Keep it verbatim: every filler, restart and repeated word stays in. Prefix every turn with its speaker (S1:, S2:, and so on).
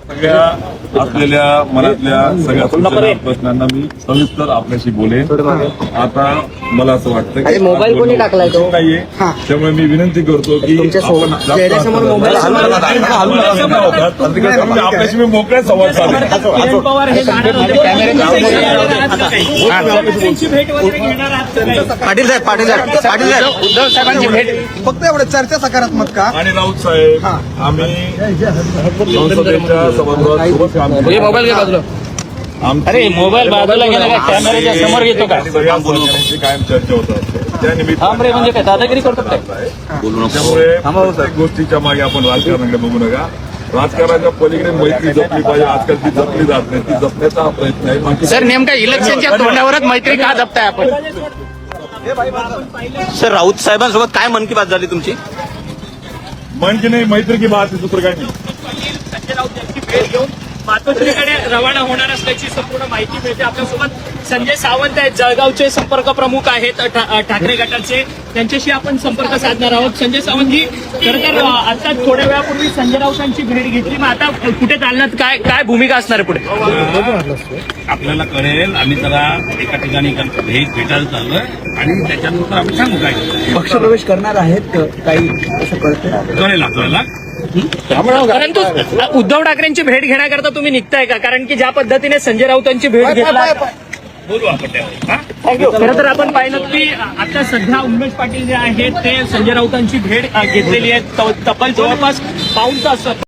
S1: सगळ्या असलेल्या मनातल्या सगळ्या सूचना प्रश्नांना मी सविस्तर आपल्याशी बोलेन. आता मला असं वाटतं की
S2: मोबाईल कोणी टाकलाय तो
S1: नाहीये, त्यामुळे मी विनंती करतो की
S2: चेहऱ्यासमोर मोबाईल
S1: आपल्याशी मी मोकळ्या संवाद साधेन.
S3: किरण पवार हे जाणार होते.
S2: पाटील साहेब पाटील साहेब पाटील साहेब उद्धव साहेबांची भेट
S4: फक्त एवढं चर्चा सकारात्मक का?
S1: आणि राऊत साहेब आम्ही संसदेच्या सभागृहात सोबत काम केलं.
S2: मोबाईल घे बाजूला.
S1: अरे
S3: मोबाईल बाजूला गेला का? कॅमेऱ्याच्या समोर घेतो का?
S1: सगळ्या बोलण्याची कायम चर्चा होत असते. त्या
S3: थांब रे, म्हणजे काय दादागिरी करतो काय?
S1: त्यामुळे प्रत्येक गोष्टीच्या मागे आपण राजकारणाकडे बघू नका. राजकारणाच्या पलीकडे मैत्री जपली पाहिजे. आजकाल ती जपली जात नाही, ती जपण्याचा हा प्रयत्न आहे. बाकी
S2: सर नेमका इलेक्शनच्या तोंडावरच मैत्री का जपताय आपण? सर राऊत साहेबांसोबत काय मन की बात झाली तुमची?
S1: मन की नाही, मैत्री की बात आहे, दुसरं काय नाही.
S3: संजय राऊत यांची भेट घेऊन मातोश्रीकडे रवाना होणार असल्याची संपूर्ण माहिती मिळते. आपल्यासोबत संजय सावंत आहेत, जळगावचे संपर्क प्रमुख आहेत ठा- ठाकरे गटाचे. त्यांच्याशी आपण संपर्क साधणार आहोत. संजय सावंतजी, खरं तर आता थोड्या वेळापूर्वी संजय राऊतांची भेट घेतली. मग आता कुठे चालण्यात काय काय भूमिका असणार आहे पुढे?
S5: आपल्याला कळेल. आम्ही जरा एका ठिकाणी भेट भेटायला चाललोय आणि त्याच्यानंतर आम्ही सांगू काय
S4: पक्षप्रवेश करणार आहेत काही असं कळतं?
S5: कळेल आपल्याला.
S3: परंतु उद्धव ठाकरेंची भेट घेण्याकरता तुम्ही निघताय का? कारण की ज्या पद्धतीने संजय राऊतांची भेट घेतला,
S5: बोलू आपण त्यावर. हा?
S3: खरं तर आपण पाहिलं की आता सध्या उमेश पाटील जे आहेत ते संजय राऊतांची भेट अ, घेतलेली आहे. त- तब्बल जवळपास पाऊण तास